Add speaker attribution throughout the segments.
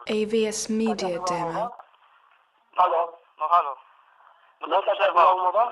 Speaker 1: AVS Media Demo.
Speaker 2: Halo?
Speaker 3: No halo.
Speaker 2: No taka była umowa?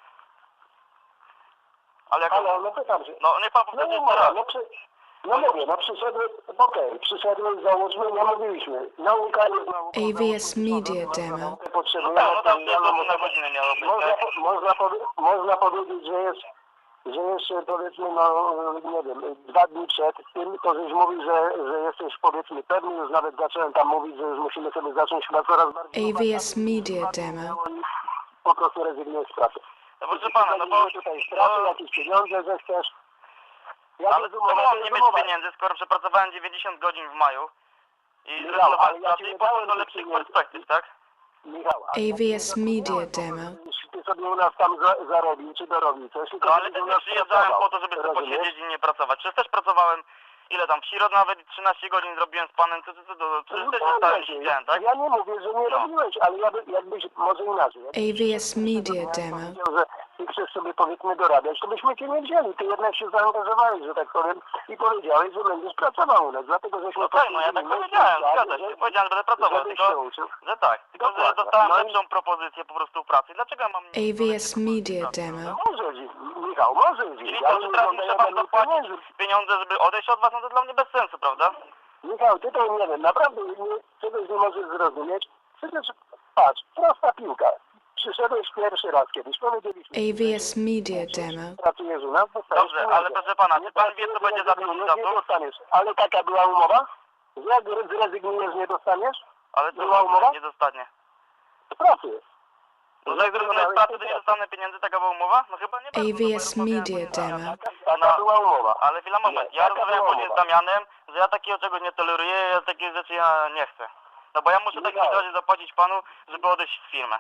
Speaker 3: Ale jak...
Speaker 2: Halo, no pytam się.
Speaker 3: No niech pan
Speaker 2: No
Speaker 3: powtórzy
Speaker 2: nie
Speaker 3: jeszcze
Speaker 2: umowa,
Speaker 3: raz.
Speaker 2: no mówię, no przyszedłeś, okej, przyszedłeś, załóżmy, nie mówiliśmy. Nauka jest nauką.
Speaker 1: AVS Media Demo.
Speaker 3: No tak, no tam jest na godzinę miało być, tak?
Speaker 2: Można powiedzieć, że jeszcze powiedzmy, no nie wiem, 2 dni przed tym, to żeś mówił, że jesteś powiedzmy pewny, już nawet zacząłem tam mówić, że już musimy sobie zacząć chyba coraz bardziej...
Speaker 1: AVS Media Demo.
Speaker 2: I po prostu rezygnujesz z pracy.
Speaker 3: No proszę pana, no bo...
Speaker 2: Tutaj straty, jakieś pieniądze, że chcesz...
Speaker 3: Ale czemu mam nie mieć pieniędzy, skoro przepracowałem 90 godzin w maju i zrezygnowałem z pracy i poszedłem do lepszych perspektyw, tak?
Speaker 2: Michał,
Speaker 1: AVS Media Demo.
Speaker 2: jeśli ty sobie u nas tam zarobił, czy dorobił coś,
Speaker 3: No ale też nie przyjeżdżałem po to, żeby sobie posiedzieć i nie pracować. Przecież też pracowałem, ile tam, w środ nawet 13 godzin zrobiłem z panem, przecież też nie stałem się siedziałem, tak?
Speaker 2: Ja nie mówię, że nie robiłeś, ale jakbyś, może inaczej.
Speaker 1: AVS Media Demo.
Speaker 2: Powiedział, że ty chcesz sobie powiedzmy dorabiać, to byśmy cię nie wzięli. Ty jednak się zaangażowałeś, że tak powiem, i powiedziałeś, że będziesz pracował u nas, dlatego żeśmy...
Speaker 3: No tak, no ja tak powiedziałem, zgadza się. Powiedziałem, że będę pracował, tylko, że tak. Tylko, że dostałem lepszą propozycję po prostu pracy. Dlaczego ja mam...
Speaker 1: AVS Media Demo.
Speaker 2: Może, Michał, może.
Speaker 3: Czyli to, że teraz muszę pan zapłacić pieniądze, żeby odejść od was, no to dla mnie bez sensu, prawda?
Speaker 2: Michał, ty to nie wiem, naprawdę czegoś nie możesz zrozumieć. Przecież, patrz, prosta piłka. Przyszedłeś pierwszy raz kiedyś, powiedzieliśmy...
Speaker 1: AVS Media Demo.
Speaker 2: Pracujesz u nas, dostajesz
Speaker 3: Dobrze, ale proszę pana, czy pan wie, co będzie za 5 lat?
Speaker 2: Nie dostaniesz. Ale taka była umowa? Jak zrezygnujesz, nie dostaniesz?
Speaker 3: Ale co
Speaker 2: Była umowa?
Speaker 3: nie dostanie?
Speaker 2: Z pracy.
Speaker 3: No jak zrezygnuję z pracy, to nie dostanę pieniędzy, taka była umowa? No chyba nie bardzo.
Speaker 1: AVS Media Demo.
Speaker 2: Taka była umowa.
Speaker 3: Ale chwila, moment. Ja rozmawiałem później z Damianem, że ja takiego czegoś nie toleruję, ja takie rzeczy ja nie chcę. No bo ja muszę w takim razie zapłacić panu, żeby odejść z firmy.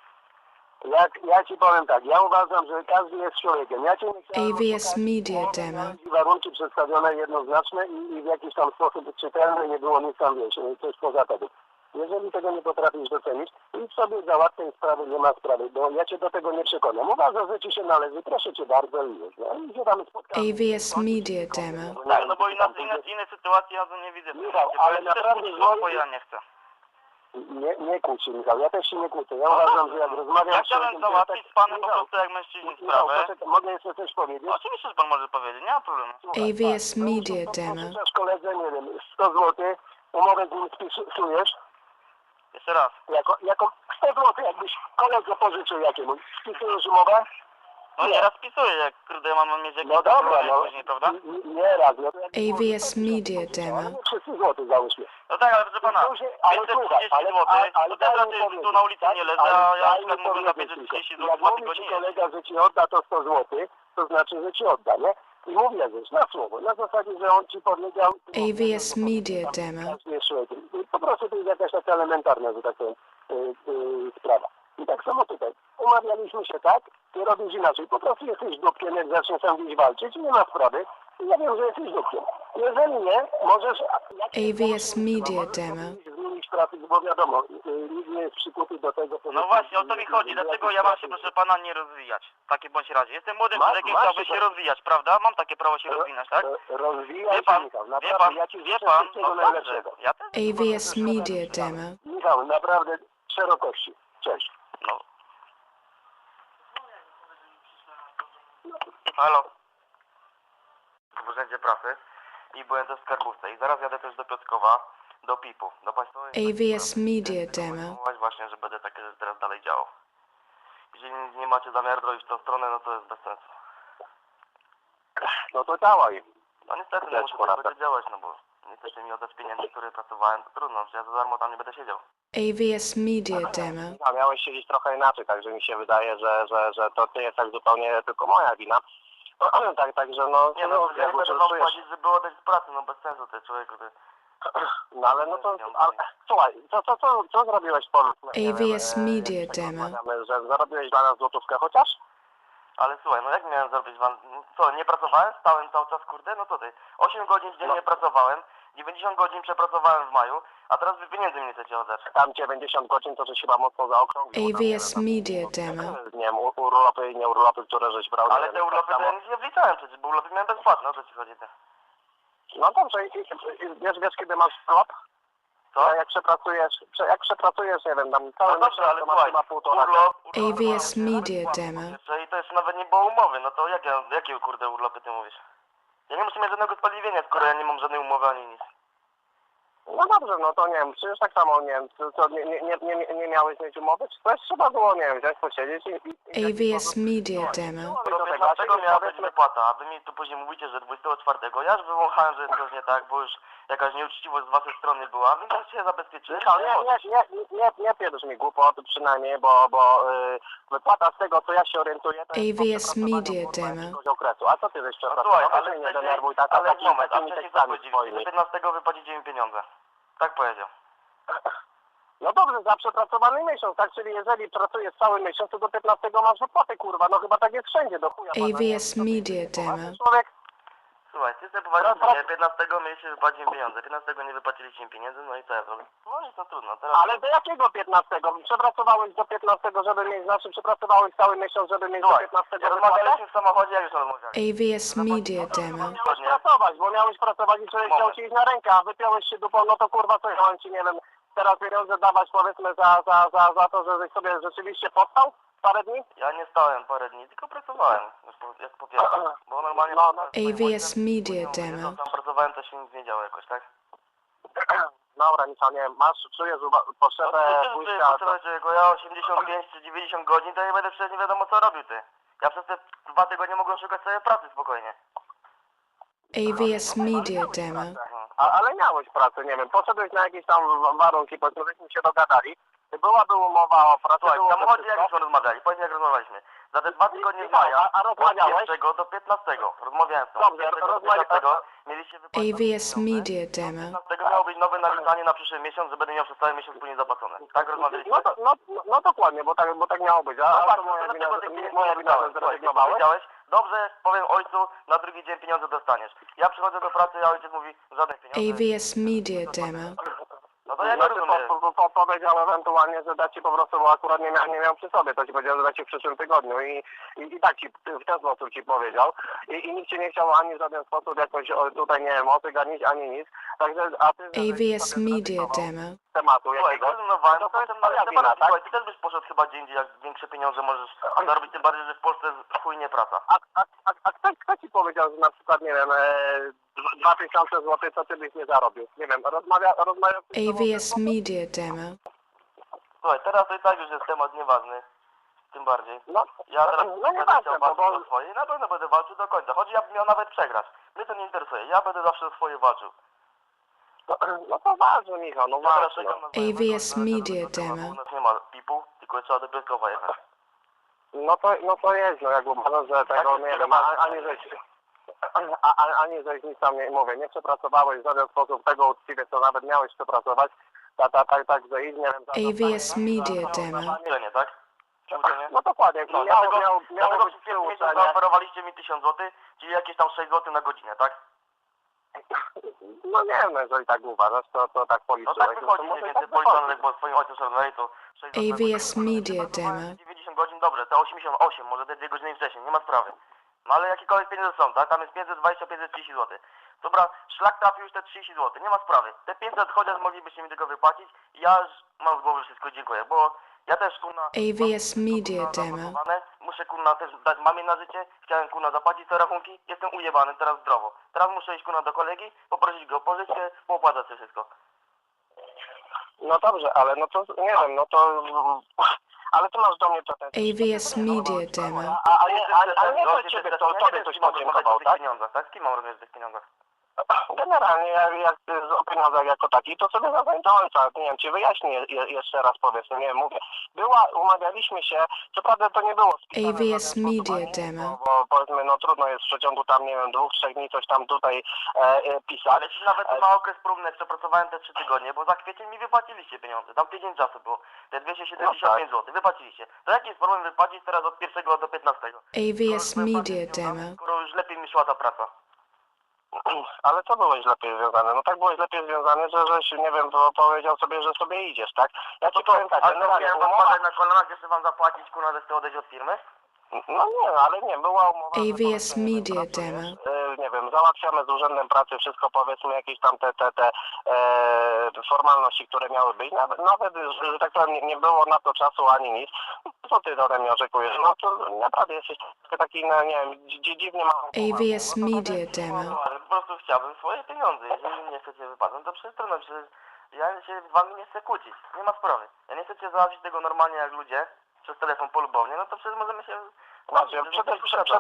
Speaker 2: Ja ci powiem tak, ja uważam, że każdy jest człowiekiem. Ja cię nie chciałem
Speaker 1: AVS Media Demo.
Speaker 2: warunki przedstawione jednoznaczne i w jakiś tam sposób czytelny, nie było nic tam, wiesz, coś poza tego. Jeżeli tego nie potrafisz docenić, idź sobie załatwiaj sprawę, nie ma sprawy, bo ja cię do tego nie przekonam. Uważam, że ci się należy, proszę cię bardzo i już. No i się tam spotkamy.
Speaker 1: AVS Media Demo.
Speaker 3: Tak, no bo innej sytuacji ja to nie widzę.
Speaker 2: Michał, ale naprawdę
Speaker 3: bo ja nie chcę.
Speaker 2: Nie kłóć się, Michał, ja też się nie kłócę. Ja uważam, że jak rozmawiam
Speaker 3: ja chciałem załatwić z panem po prostu jak mężczyźni sprawę.
Speaker 2: Mogę jeszcze coś powiedzieć?
Speaker 3: Oczywiście, że pan może powiedzieć, nie ma problemu.
Speaker 1: AVS Media Demo.
Speaker 2: Pożyczasz koledze, nie wiem, 100 zł, umowę z nim spisujesz.
Speaker 3: Jeszcze raz.
Speaker 2: Jako 100 zł, jakbyś koledze pożyczył jakiemuś, spisujesz umowę?
Speaker 3: No nie, raz pisuję, jak kurde ja mam mieć jakieś
Speaker 2: No dobra, no.
Speaker 3: później, prawda?
Speaker 2: Nie raz, no.
Speaker 1: AVS Media Demo.
Speaker 2: 300 zł załóżmy.
Speaker 3: No tak, ale proszę pana,
Speaker 2: Ale
Speaker 3: 530
Speaker 2: słuchaj,
Speaker 3: zł, to też raczej tu na ulicy nie leżę, a ja na przykład mówię za 530 zł,
Speaker 2: jak
Speaker 3: ma
Speaker 2: mówi
Speaker 3: tylko
Speaker 2: ci
Speaker 3: nie
Speaker 2: kolega, że ci odda to 100 zł, to znaczy, że ci odda, nie? I mówię coś na słowo, na zasadzie, że on ci powiedział...
Speaker 1: AVS Media Demo.
Speaker 2: Po prostu to jest jakaś taka elementarna, że tak powiem, sprawa. I tak samo tutaj. Umawialiśmy się tak, ty robisz inaczej. Po prostu jesteś dupkiem, jak zaczniesz tam gdzieś walczyć, nie ma sprawy. Ja wiem, że jesteś dupkiem. Jeżeli nie, możesz...
Speaker 1: AVS Media Demo.
Speaker 2: Zmienić pracę, bo wiadomo, nikt nie jest przykuty do tego...
Speaker 3: No właśnie, o to mi chodzi. Dlaczego ja mam się, proszę pana, nie rozwijać? W takim bądź razie. Jestem młodym człowiekiem, chciałbym się rozwijać, prawda? Mam takie prawo się rozwinąć, tak?
Speaker 2: Rozwijaj
Speaker 3: Wie pan,
Speaker 2: się, Michał. Naprawdę, ja ci
Speaker 3: wie
Speaker 2: życzę
Speaker 3: pan,
Speaker 2: wszystkiego
Speaker 3: no
Speaker 2: najlepszego.
Speaker 3: dobrze. Ja też.
Speaker 1: AVS Media Demo.
Speaker 2: Michał, naprawdę szerokości. Cześć.
Speaker 3: No. Halo. W urzędzie pracy i byłem też w skarbówce i zaraz jadę też do Piotrkowa, do PIP-u, do państwowej...
Speaker 1: AVS Media Demo.
Speaker 3: Właśnie, że będę takie rzeczy teraz dalej działał. Jeżeli nie macie zamiaru robić w tą stronę, no to jest bez sensu.
Speaker 2: No to działaj.
Speaker 3: No niestety, no muszę tak będzie działać, no bo nie chcecie mi oddać pieniędzy, które pracowałem, to trudno, że ja za darmo tam nie będę siedział.
Speaker 1: AVS Media Demo.
Speaker 2: A miałeś siedzieć trochę inaczej, także mi się wydaje, że to nie jest tak zupełnie tylko moja wina. Także no...
Speaker 3: Nie no, ja nie będę wam płacić, żeby oddać z pracy, no bez sensu to jest człowieku, ty...
Speaker 2: No ale no to... Słuchaj, co zrobiłeś po...
Speaker 1: AVS Media Demo.
Speaker 2: Że zarobiłeś dla nas złotówkę chociaż?
Speaker 3: Ale słuchaj, no jak miałem zrobić wam... Co, nie pracowałem? Stałem cały czas, kurde? No to ty. 8 godzin dziennie pracowałem, 90 godzin przepracowałem w maju, a teraz wy pieniędzy mi chcecie oddać. Tam 90 godzin to żeś chyba mocno zaokrąglił.
Speaker 1: AVS Media Demo.
Speaker 2: Nie wiem, urlopy i nieurlopy, które żeś brał.
Speaker 3: Ale te urlopy to ja nic nie wliczałem przecież, bo urlopy miałem bezpłatne, o co ci chodzi ty?
Speaker 2: No dobrze, wiesz kiedy masz urlop?
Speaker 3: Co?
Speaker 2: Jak przepracujesz, nie wiem, tam cały
Speaker 3: No dobrze, ale
Speaker 2: to masz
Speaker 3: słuchaj,
Speaker 2: chyba półtora.
Speaker 3: urlop...
Speaker 1: AVS Media Demo.
Speaker 3: I to jeszcze nawet nie było umowy, no to jakie kurde urlopy ty mówisz? Ja nie muszę mieć żadnego usprawiedliwienia, skoro ja nie mam żadnej umowy ani nic.
Speaker 2: No dobrze, no to nie wiem, przecież tak samo, nie wiem, co, nie miałeś mieć umowy, czy też trzeba było, nie wiem, wziąć, posiedzieć i
Speaker 1: AVS Media Demo.
Speaker 3: Do 15 miała być wypłata, a wy mi tu później mówicie, że 24. Ja już wywąchałem, że jest coś nie tak, bo już jakaś nieuczciwość z waszej strony była, więc już się zabezpieczyłem.
Speaker 2: Nie pierdź mi głupot przynajmniej, bo wypłata z tego, co ja się orientuję, to jest
Speaker 1: AVS Media Demo.
Speaker 2: jakiegoś okresu. A co ty żeś
Speaker 3: Słuchaj,
Speaker 2: przepracował?
Speaker 3: ale
Speaker 2: Nie denerwuj tak,
Speaker 3: ale moment, a
Speaker 2: takimi
Speaker 3: wcześniej
Speaker 2: tekstami
Speaker 3: zapłacicie,
Speaker 2: swoimi.
Speaker 3: do 15 wypłacicie mi pieniądze. Tak powiedział.
Speaker 2: No dobrze, za przepracowany miesiąc, tak? Czyli jeżeli pracujesz cały miesiąc, to do 15 masz wypłatę, kurwa. No chyba tak jest wszędzie, do chuja. pana, nie
Speaker 1: AVS
Speaker 2: wiem,
Speaker 1: Media
Speaker 2: co ty-
Speaker 1: Demo.
Speaker 2: Człowiek,
Speaker 3: Słuchaj, ty sobie poważnie, nie, 15 mieliście wypłacić im pieniądze, 15 nie wypłaciliście im pieniędzy, no i co ja zrobię? No i to trudno, teraz...
Speaker 2: ale do jakiego 15? Przepracowałeś do 15, żeby mieć, znaczy przepracowałeś cały miesiąc, żeby mieć do
Speaker 3: Słuchaj,
Speaker 2: 15 wypłatę?
Speaker 3: rozmawialiśmy w samochodzie, jak już rozmawialiśmy.
Speaker 1: AVS Media Demo.
Speaker 2: Miałeś pracować i człowiek chciał ci iść na rękę, a wypiąłeś się dupą, no to kurwa co ja mam ci, nie wiem, teraz pieniądze dawać powiedzmy za to, żebyś sobie rzeczywiście powstał parę dni?
Speaker 3: Ja nie stałem parę dni, tylko pracowałem, jak po pierwsze, bo normalnie...
Speaker 1: AVS Media Demo.
Speaker 3: Tam pracowałem, to się nic nie działo jakoś, tak?
Speaker 2: Dobra, nic, nie wiem, czujesz potrzebę pójścia...
Speaker 3: Potrzebę czego, ja 85 czy 90 godzin, to ja nie będę przecież nie wiadomo co robił ty. Ja przez te 2 tygodnie mogłem szukać sobie pracy spokojnie.
Speaker 1: AVS Media Demo.
Speaker 2: Ale miałeś pracę, nie wiem, poszedłeś na jakieś tam warunki, powiedzmy, żeśmy się dogadali, byłaby umowa o pracę,
Speaker 3: Słuchaj, w
Speaker 2: byłoby
Speaker 3: samochodzie jak
Speaker 2: wszystko.
Speaker 3: już rozmawiali, powiedz jak rozmawialiśmy. Za te 2 tygodnie z maja,
Speaker 2: A rozmawiałeś?
Speaker 3: od 1 do 15, rozmawiałem z tobą.
Speaker 2: Dobrze,
Speaker 3: Od 1 do 15 mieliście wypłacić
Speaker 1: AVS
Speaker 3: pieniądze.
Speaker 1: Media Demo.
Speaker 3: 15 miało być nowe naliczanie na przyszły miesiąc, że będę miał przez cały miesiąc później zapłacone. Tak rozmawialiśmy?
Speaker 2: No dokładnie, bo tak miało być, a to moja wina, że zrezygnowałeś.
Speaker 3: Powiedziałeś, dobrze, powiem ojcu, na drugi dzień pieniądze dostaniesz. Ja przychodzę do pracy, a ojciec mówi, żadnych pieniędzy.
Speaker 1: AVS Media Demo.
Speaker 3: No to ja nie rozumiem.
Speaker 2: Powiedział ewentualnie, że da ci po prostu, bo akurat nie miał przy sobie, to ci powiedział, że da ci w przyszłym tygodniu i tak ci w ten sposób ci powiedział i nikt cię nie chciał ani w żaden sposób jakoś tutaj, nie wiem, otyganić, ani nic, także, a ty...
Speaker 1: AVS Media Demo.
Speaker 2: Tematu
Speaker 3: Słuchaj,
Speaker 2: jakiegoś,
Speaker 3: zrezygnowałem,
Speaker 2: to
Speaker 3: potem
Speaker 2: jest twoja wina,
Speaker 3: słuchaj,
Speaker 2: tak?
Speaker 3: ty też byś poszedł chyba gdzie indziej, jak większe pieniądze możesz zarobić, tym bardziej, że w Polsce chujnie praca.
Speaker 2: A kto ci powiedział, że na przykład, nie wiem, 2000 zł, co ty byś nie zarobił? Nie wiem, rozmawiał...
Speaker 1: AVS Media Demo.
Speaker 3: Słuchaj, teraz to i tak już jest temat nieważny, tym bardziej.
Speaker 2: No,
Speaker 3: Ja teraz
Speaker 2: no
Speaker 3: będę
Speaker 2: nieważne,
Speaker 3: chciał
Speaker 2: bo...
Speaker 3: walczyć o swoje i na pewno będę walczył do końca, choć ja bym miał nawet przegrać. Mnie to nie interesuje, ja będę zawsze o swoje walczył.
Speaker 2: No to ważne, Michał, no
Speaker 3: Ja teraz
Speaker 2: ważne.
Speaker 3: czekam na
Speaker 1: AVS Media Demo.
Speaker 3: U nas nie ma pipu, tylko trzeba do Piotrkowa jechać.
Speaker 2: No to jest, no jak uważam, że tego, nie wiem, ani żeś nic tam nie mówię, nie przepracowałeś w żaden sposób tego uczciwie, co nawet miałeś przepracować, tak, że idź, nie wiem...
Speaker 1: AVS Media Demo.
Speaker 3: Uczenie, tak? Czy uczenie?
Speaker 2: No dokładnie,
Speaker 3: No,
Speaker 2: miało
Speaker 3: dlatego
Speaker 2: być
Speaker 3: przez pierwszy miesiąc
Speaker 2: przyuczenie.
Speaker 3: zaoferowaliście mi 1000 zł, czyli jakieś tam 6 zł na godzinę, tak?
Speaker 2: No nie wiem, jeżeli tak uważasz, to tak
Speaker 3: No
Speaker 2: policzyłeś.
Speaker 3: tak wychodzi mniej
Speaker 2: może
Speaker 3: więcej
Speaker 2: tak
Speaker 3: policzone,
Speaker 2: wychodzi.
Speaker 3: bo swoim ojcem szarnali to 6 zł.
Speaker 1: AVS Media Demo.
Speaker 3: 90 godzin, dobrze, te 88, może te 2 godziny wcześniej, nie ma sprawy. No ale jakiekolwiek pieniądze są, tak? Tam jest 520, 530 zł. Dobra, szlak trafił już te 30 zł, nie ma sprawy. Te 500 chociaż moglibyście mi tego wypłacić i ja już mam z głowy wszystko, dziękuję, bo ja też kurna...
Speaker 1: AVS Media Demo.
Speaker 3: zamontowane, muszę kurna też dać mamie na życie, chciałem kurna zapłacić te rachunki, jestem ujebany teraz zdrowo. Teraz muszę iść kurna do kolegi, poprosić go o pożyczkę, opłacać sobie wszystko.
Speaker 2: No dobrze, ale no to, nie wiem, no to... Ale ty masz do mnie pretensje.
Speaker 1: AVS Media Demo.
Speaker 2: Ale nie to ciebie, to tobie ktoś podziękował, tak?
Speaker 3: Pieniądzach, tak? Z kim mam rozmawiać o tych pieniądzach?
Speaker 2: Generalnie, jak o pieniądzach jako taki, to sobie zadzwoń do ojca. Nie wiem, ci wyjaśnię jeszcze raz, powiedzmy, nie wiem, mówię. Umawialiśmy się, co prawda to nie było spisane w
Speaker 1: AVS
Speaker 2: żaden sposób,
Speaker 1: Media
Speaker 2: ani-
Speaker 1: Demo.
Speaker 2: Bo powiedzmy, no trudno jest w przeciągu tam, nie wiem, 2-3 dni coś tam tutaj pisać.
Speaker 3: Ale ci nawet na okres próbny przepracowałem te 3 tygodnie, bo za kwiecień mi wypłaciliście pieniądze. Tam tydzień czasu było. Te 275 zł wypłaciliście. To jaki jest problem wypłacić teraz od 1 do 15?
Speaker 1: AVS Media Demo.
Speaker 3: Skoro już lepiej mi szła ta praca.
Speaker 2: Ale co byłeś lepiej związany? No tak byłeś lepiej związany, żeś, nie wiem, powiedział sobie, że sobie idziesz, tak? Ja ci powiem tak,
Speaker 3: A
Speaker 2: generalnie
Speaker 3: miałem wam padać na kolanach, jeszcze wam zapłacić, kurwa, że chcę odejść od firmy?
Speaker 2: No nie, ale nie, była umowa. że
Speaker 1: AVS
Speaker 2: powiedzmy, nie wiem,
Speaker 1: Media
Speaker 2: pracujesz,
Speaker 1: Demo.
Speaker 2: nie wiem, załatwiamy z urzędem pracy wszystko, powiedzmy jakieś tam te formalności, które miały być. Nawet że tak powiem, nie było na to czasu ani nic. Co ty ode mnie oczekujesz? No to naprawdę jesteś taki, no nie wiem, dziwnie mało.
Speaker 1: AVS Media Demo.
Speaker 3: Ale po prostu chciałbym swoje pieniądze. Jeżeli mi nie chcecie wypłacać, to przecież trudno, przecież ja się z wami nie chcę kłócić. Nie ma sprawy. Ja nie chcecie załatwić tego normalnie jak ludzie, przez telefon polubownie, no to przecież możemy się...
Speaker 2: Znaczy, przede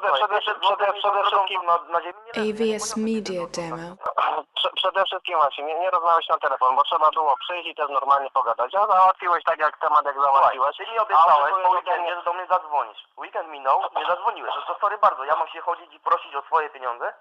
Speaker 2: wszystkim
Speaker 3: na ziemi nie
Speaker 1: AVS Media Demo.
Speaker 2: Przede wszystkim właśnie, nie rozmawiać na telefon, bo trzeba było przyjść i też normalnie pogadać. A załatwiłeś tak jak temat, jak załatwiłeś.
Speaker 3: Ty mi obiecałeś po weekendzie, że do mnie zadzwonisz. Weekend minął, nie zadzwoniłeś. No to sorry bardzo, ja mam się chodzić i prosić o swoje pieniądze?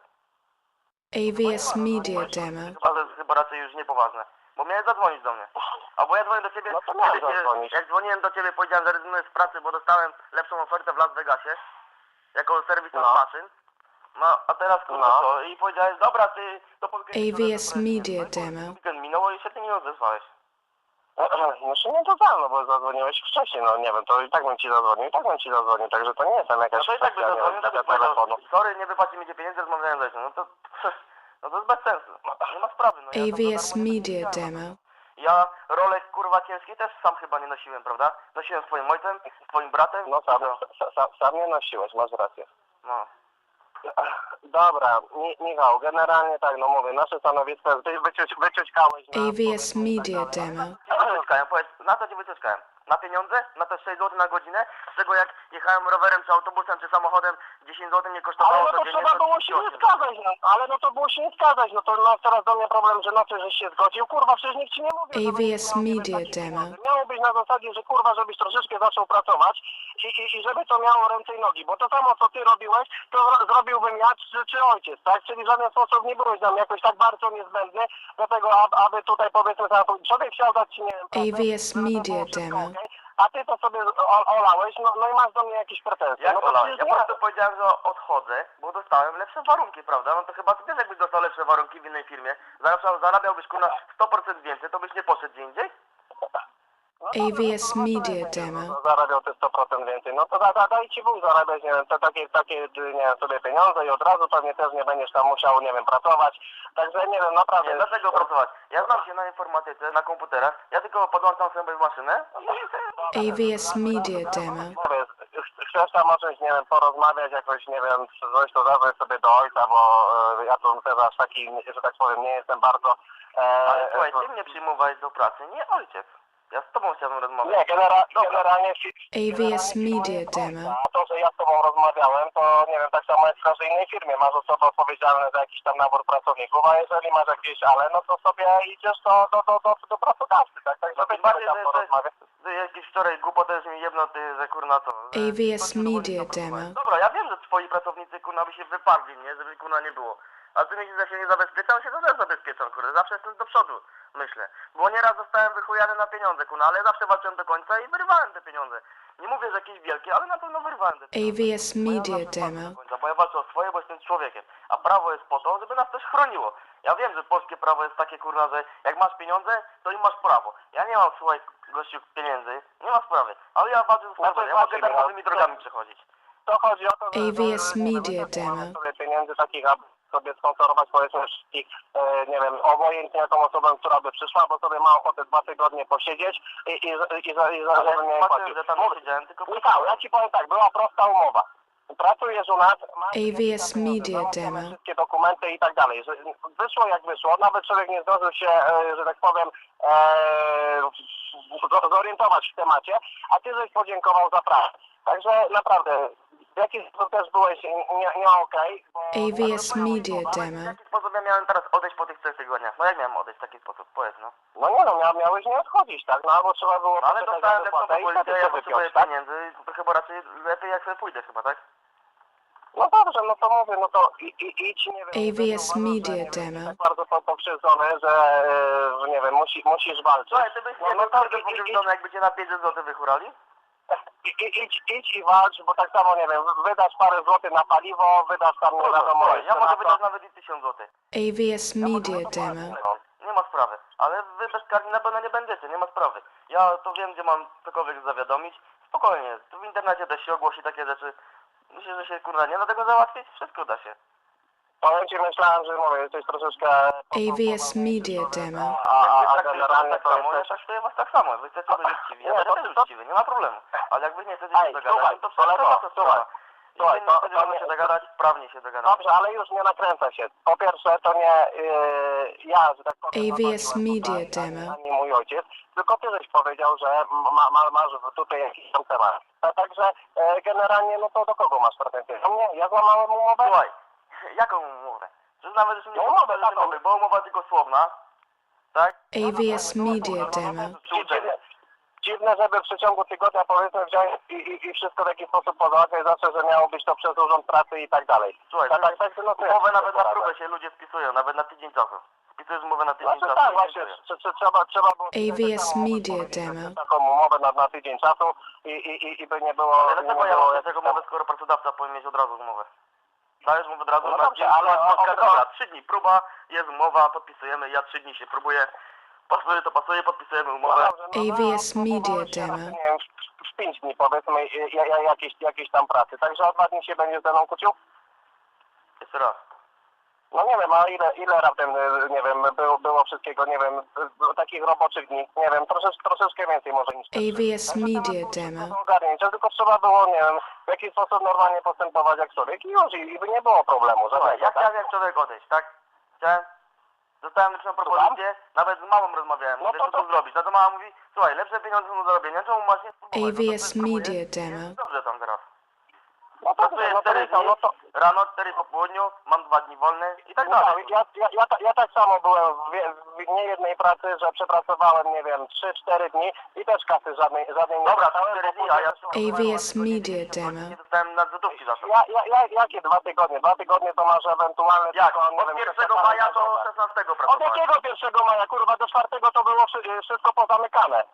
Speaker 1: AVS Media Demo.
Speaker 3: Chyba raczej już niepoważne. Bo miałeś zadzwonić do mnie. Albo ja dzwonię do ciebie,
Speaker 2: No to miałem
Speaker 3: kiedy
Speaker 2: zadzwonić.
Speaker 3: jak dzwoniłem do ciebie, powiedziałem, że rezygnuję z pracy, bo dostałem lepszą ofertę w Las Vegasie. Jako serwis maszyn. No, a teraz kurwa
Speaker 2: No.
Speaker 3: co? I powiedziałeś, dobra, ty to po weekendzie...
Speaker 1: AVS Media Demo.
Speaker 3: Weekend minął i się ty nie odezwałeś.
Speaker 2: Znaczy nie to no bo zadzwoniłeś wcześniej, no nie wiem, to i tak bym ci zadzwonił, także to nie jest tam
Speaker 3: No
Speaker 2: jakaś
Speaker 3: to i tak by
Speaker 2: kwestia, nie
Speaker 3: zadzwonił,
Speaker 2: wiem,
Speaker 3: tak by
Speaker 2: telefonu.
Speaker 3: powiedział, sorry, nie wypłaci mi pieniędzy, rozmawiałem ze mną. No to... No to jest bez sensu. Nie ma sprawy, no ja tam
Speaker 1: AVS
Speaker 3: za darmo nie
Speaker 1: Media
Speaker 3: powiedziałem.
Speaker 1: Demo.
Speaker 3: Ja rolek kurwa ciężkiej też sam chyba nie nosiłem, prawda? Nosiłem z twoim ojcem, z twoim bratem.
Speaker 2: No sam nie nosiłeś, masz rację.
Speaker 3: No.
Speaker 2: Dobra, Michał, generalnie tak, no mówię, nasze stanowisko jest wyciućkałeś na...
Speaker 1: AVS Media Demo.
Speaker 3: Wycieczkałem, powiedz, na co ci wycieczkałem? Na pieniądze? Na te 6 zł na godzinę? Z czego jak jechałem rowerem, czy autobusem, czy samochodem 10 zł nie kosztowało
Speaker 2: Ale no to
Speaker 3: codziennie,
Speaker 2: trzeba było się nie zgadzać, no. Ale no to było się nie zgadzać, no to no, teraz do mnie problem, że na co żeś się zgodził, kurwa, przecież nikt ci nie mówił.
Speaker 1: AVS Media Demo.
Speaker 2: Miało być na zasadzie, że kurwa, żebyś troszeczkę zaczął pracować i żeby to miało ręce i nogi, bo to samo co ty robiłeś, to zrobiłbym ja czy ojciec, tak? Czyli w żaden sposób nie byłeś nam jakoś tak bardzo niezbędny do tego, aby tutaj powiedzmy, człowiek chciał dać ci, nie wiem,
Speaker 1: AVS Media Demo.
Speaker 2: a ty to sobie olałeś, no i masz do mnie jakieś pretensje.
Speaker 3: Jak
Speaker 2: No to
Speaker 3: Ola?
Speaker 2: przecież
Speaker 3: Ja
Speaker 2: nie-
Speaker 3: po prostu powiedziałem, że odchodzę, bo dostałem lepsze warunki, prawda? No to chyba ty też jakbyś dostał lepsze warunki w innej firmie, zarabiałbyś kurna 100% więcej, to byś nie poszedł gdzie indziej?
Speaker 1: AVS Media Demo.
Speaker 2: Zarabiał te 100% więcej. No to daj ci Bóg zarabiać, nie wiem, te takie, nie wiem, sobie pieniądze i od razu pewnie też nie będziesz tam musiał, nie wiem, pracować. Także nie wiem, naprawdę.
Speaker 3: Nie, dlaczego pracować? Ja znam się na informatyce, na komputerach, ja tylko podłączam sobie maszynę.
Speaker 1: AVS Media Demo.
Speaker 2: Mówię, chcesz tam o czymś, nie wiem, porozmawiać jakoś, nie wiem, coś to zadzwoń sobie do ojca, bo ja tu też aż taki, że tak powiem, nie jestem bardzo...
Speaker 3: Ale słuchaj, ty mnie przyjmowałeś do pracy, nie ojciec. Ja z tobą chciałbym rozmawiać.
Speaker 2: Nie, generalnie...
Speaker 1: AVS Media Demo.
Speaker 2: A to, że ja z tobą rozmawiałem, to nie wiem, tak samo jak w każdej innej firmie. Masz osoby odpowiedzialne za jakiś tam nabór pracowników, a jeżeli masz jakieś ale, no to sobie idziesz do pracodawcy, tak? Tak, żeby
Speaker 3: bardziej,
Speaker 2: tam porozmawiać.
Speaker 3: że jakieś wczoraj głupotę już mi jedno, ty, że kurna to...
Speaker 1: AVS Media Demo.
Speaker 3: Dobra, ja wiem, że twoi pracownicy kurna by się wyparli, nie? Żeby kurna nie było. A ty myślisz, że się nie zabezpieczam? Się to też zabezpieczam, kurde. Zawsze jestem do przodu, myślę. Bo nieraz zostałem wychujany na pieniądze, kurna, ale zawsze walczyłem do końca i wyrwałem te pieniądze. Nie mówię, że jakieś wielkie, ale na pewno wyrwałem te pieniądze.
Speaker 1: AVS Media Demo.
Speaker 3: Bo ja walczę o swoje, bo jestem człowiekiem. A prawo jest po to, żeby nas też chroniło. Ja wiem, że polskie prawo jest takie, kurna, że jak masz pieniądze, to i masz prawo. Ja nie mam, słuchaj, gościu, pieniędzy, nie ma sprawy. Ale ja walczę ze swoją, ja mogę darmowymi drogami przechodzić.
Speaker 2: To chodzi o to, że...
Speaker 1: AVS Media Demo.
Speaker 2: sobie pieniędzy takich, aby sobie sponsorować, powiedzmy, wszystkich, nie wiem, obojętnie jaką osobę, która by przyszła, bo sobie ma ochotę 2 tygodnie posiedzieć i
Speaker 3: Ale
Speaker 2: żeby nie
Speaker 3: zobaczyłem,
Speaker 2: płacił.
Speaker 3: że tam nie siedziałem, tylko...
Speaker 2: Michał, ja ci powiem tak, była prosta umowa. Pracujesz u nas, masz
Speaker 1: AVS Media Demo.
Speaker 2: wszystkie dokumenty i tak dalej. Wyszło jak wyszło, nawet człowiek nie zdążył się, że tak powiem, zorientować w temacie, a ty żeś podziękował za pracę. Także naprawdę, w jaki sposób też byłeś nie okej.
Speaker 1: AVS Media
Speaker 3: W
Speaker 1: Demo.
Speaker 3: jaki sposób ja miałem teraz odejść po tych 3 tygodniach? No jak miałem odejść w taki sposób? Powiedz, no.
Speaker 2: No nie no, miałeś nie odchodzić, tak? No albo trzeba było
Speaker 3: No ale
Speaker 2: poczekać
Speaker 3: dostałem
Speaker 2: na
Speaker 3: lepszą
Speaker 2: wypłatę i
Speaker 3: propozycję,
Speaker 2: wtedy
Speaker 3: ja
Speaker 2: sobie
Speaker 3: potrzebuję
Speaker 2: piąć, tak?
Speaker 3: pieniędzy, to chyba raczej lepiej jak sobie pójdę chyba, tak?
Speaker 2: No dobrze, no to mówię, no to idź, nie wiem...
Speaker 1: AVS
Speaker 2: nie wiem,
Speaker 1: Media
Speaker 2: nie wiem,
Speaker 1: Demo.
Speaker 2: tak bardzo pokrzywdzony, że nie wiem, musisz walczyć.
Speaker 3: Słuchaj, ty byś nie
Speaker 2: no to
Speaker 3: był pokrzywdzony, jakby cię na 500 zł wychurali?
Speaker 2: idź i walcz, bo tak samo, nie wiem, wydasz parę złotych na paliwo, wydasz tam, nie wiadomo,
Speaker 3: Słuchaj, ja
Speaker 2: jeszcze
Speaker 3: mogę
Speaker 2: na
Speaker 3: wydać
Speaker 2: to.
Speaker 3: nawet i 1000 zł.
Speaker 1: AVS Media Demo.
Speaker 3: No, nie ma sprawy. Ale wy bezkarni na pewno nie będziecie, nie ma sprawy. Ja to wiem, gdzie mam cokolwiek zawiadomić. Spokojnie, tu w internecie też się ogłosi takie rzeczy. Myślę, że się kurwa nie da tego załatwić? Wszystko da się.
Speaker 2: Powiem ci, myślałem, że mówię, jesteś troszeczkę...
Speaker 1: AVS Media Demo.
Speaker 2: A
Speaker 3: Jak
Speaker 2: generalnie
Speaker 3: tak
Speaker 2: to
Speaker 3: samo, ja
Speaker 2: jesteś...
Speaker 3: traktuję was tak samo. Wy chcecie być uczciwi, ja
Speaker 2: Nie,
Speaker 3: będę
Speaker 2: to-
Speaker 3: też
Speaker 2: to-
Speaker 3: uczciwy, nie ma problemu. Ale jak wy nie chcecie
Speaker 2: Ej,
Speaker 3: się dogadać,
Speaker 2: słuchaj,
Speaker 3: to wszystko
Speaker 2: kolego,
Speaker 3: wasza sprawa.
Speaker 2: słuchaj,
Speaker 3: Jeśli nie
Speaker 2: to-
Speaker 3: chcecie
Speaker 2: to nie-
Speaker 3: się dogadać, prawnie się dogadamy.
Speaker 2: Dobrze, ale już nie nakręca się. Po pierwsze, to nie ja, że tak powiem,
Speaker 1: AVS
Speaker 2: dochodziłem
Speaker 1: Media
Speaker 2: tutaj,
Speaker 1: Demo.
Speaker 2: ani mój ojciec, tylko ty żeś powiedział, że masz tutaj jakiś tam temat. Także generalnie, no to do kogo masz pretensje? Do mnie? Ja złamałem umowę?
Speaker 3: Słuchaj, jaką umowę? Że nawet już nie
Speaker 2: No umowę
Speaker 3: podpisaliśmy
Speaker 2: taką.
Speaker 3: umowy, bo umowa tylko słowna, tak?
Speaker 1: AVS Media Demo.
Speaker 2: Dziwne, żeby w przeciągu tygodnia powiedzmy wziąć i wszystko w jakiś sposób pozałatwiać, zawsze, że miało być to przez Urząd Pracy i tak dalej.
Speaker 3: Słuchaj,
Speaker 2: tak, no to
Speaker 3: umowę
Speaker 2: ja
Speaker 3: nawet na
Speaker 2: poradzę.
Speaker 3: próbę się ludzie spisują, nawet na tydzień czasu. Wpisujesz umowę na tydzień
Speaker 2: Znaczy
Speaker 3: czasu.
Speaker 2: tak,
Speaker 3: i
Speaker 2: właśnie,
Speaker 3: dziękuję.
Speaker 2: trzeba było...
Speaker 1: AVS Media Demo.
Speaker 2: Taką umowę na tydzień czasu i by nie było...
Speaker 3: Ale
Speaker 2: nie
Speaker 3: dlaczego ja
Speaker 2: było
Speaker 3: mam
Speaker 2: jak-
Speaker 3: tego umowę, skoro pracodawca powinien mieć od razu umowę? Dajesz mu od razu,
Speaker 2: No
Speaker 3: na
Speaker 2: dobrze,
Speaker 3: dzień,
Speaker 2: ale-
Speaker 3: dobra, 3 dni próba, jest umowa, podpisujemy, ja 3 dni się próbuję, pasuje to pasuje, podpisujemy umowę.
Speaker 1: AVS Media Demo.
Speaker 2: Nie wiem, w 5 dni powiedzmy jakieś tam pracy. Także o 2 dni się będzie ze mną kłócił?
Speaker 3: Jeszcze raz.
Speaker 2: No nie wiem, a ile raptem, nie wiem, było wszystkiego, nie wiem, takich roboczych dni, nie wiem, troszeczkę więcej może niż...
Speaker 1: AVS Media Demo.
Speaker 2: Do ogarnięcia, tylko trzeba było, nie wiem, w jakiś sposób normalnie postępować jak człowiek i już, i by nie było problemu
Speaker 3: Słuchaj,
Speaker 2: żadnego,
Speaker 3: ja
Speaker 2: tak?
Speaker 3: chciałem jak człowiek odejść, tak? Chciałem, dostałem lepszą propozycję, nawet z mamą rozmawiałem,
Speaker 2: No
Speaker 3: mówię,
Speaker 2: to-
Speaker 3: co tu zrobić. No to mama mówi, słuchaj, lepsze pieniądze są do zarobienia, czemu masz nie spróbować? No to
Speaker 1: AVS
Speaker 3: spróbuję.
Speaker 1: Media Demo.
Speaker 3: Jest dobrze tam teraz.
Speaker 2: No to
Speaker 3: Pracuję
Speaker 2: no to
Speaker 3: 4
Speaker 2: Michał,
Speaker 3: dni,
Speaker 2: no to...
Speaker 3: rano, 4 po południu, mam 2 dni wolne i tak
Speaker 2: Michał,
Speaker 3: dalej.
Speaker 2: ja tak samo byłem w niejednej pracy, że przepracowałem, nie wiem, 3-4 dni i też kasy żadnej nie
Speaker 3: Dobra,
Speaker 2: dostałem,
Speaker 3: 4
Speaker 2: bo
Speaker 3: dni, a ja
Speaker 1: AVS Media Demo.
Speaker 3: nie dostałem na złotówki za to.
Speaker 2: Jakie 2 tygodnie? 2 tygodnie to masz ewentualnie
Speaker 3: Jak?
Speaker 2: tylko, nie
Speaker 3: Od
Speaker 2: wiem,
Speaker 3: 1 maja do 16
Speaker 2: Od
Speaker 3: pracowałem.
Speaker 2: jakiego 1 maja, kurwa, do 4 to było wszystko pozamykane.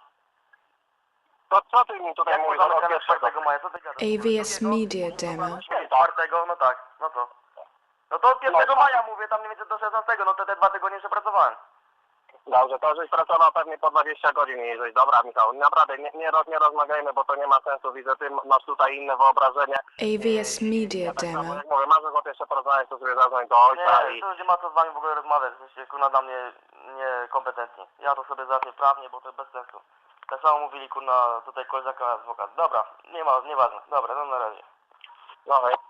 Speaker 2: To co ty mi tutaj
Speaker 3: Jak
Speaker 2: mówisz
Speaker 3: można
Speaker 2: od
Speaker 3: wygrać
Speaker 2: 1?
Speaker 3: 4 maja, co ty gadasz?
Speaker 1: AVS Media Demo.
Speaker 3: 4, no tak, no to. No to od 1 maja mówię, tam mniej więcej do 16, no to te 2 tygodnie przepracowałem.
Speaker 2: Dobrze, to żeś pracował pewnie po 20 godzin i żeś, dobra Michał, naprawdę nie rozmawiajmy, bo to nie ma sensu, widzę, ty masz tutaj inne wyobrażenie.
Speaker 1: AVS Media
Speaker 2: Tak samo,
Speaker 1: Demo.
Speaker 2: jak mówię, masz ochotę jeszcze porozmawiać, to sobie zadzwoń do ojca
Speaker 3: Nie,
Speaker 2: i...
Speaker 3: to nie ma co z wami w ogóle rozmawiać, jesteście kurna dla mnie niekompetentni. Ja to sobie załatwię prawnie, bo to bez sensu. Tak samo mówili kurna tutaj koleżanka adwokat. Dobra, nieważne, dobra, no na razie.
Speaker 2: No hej.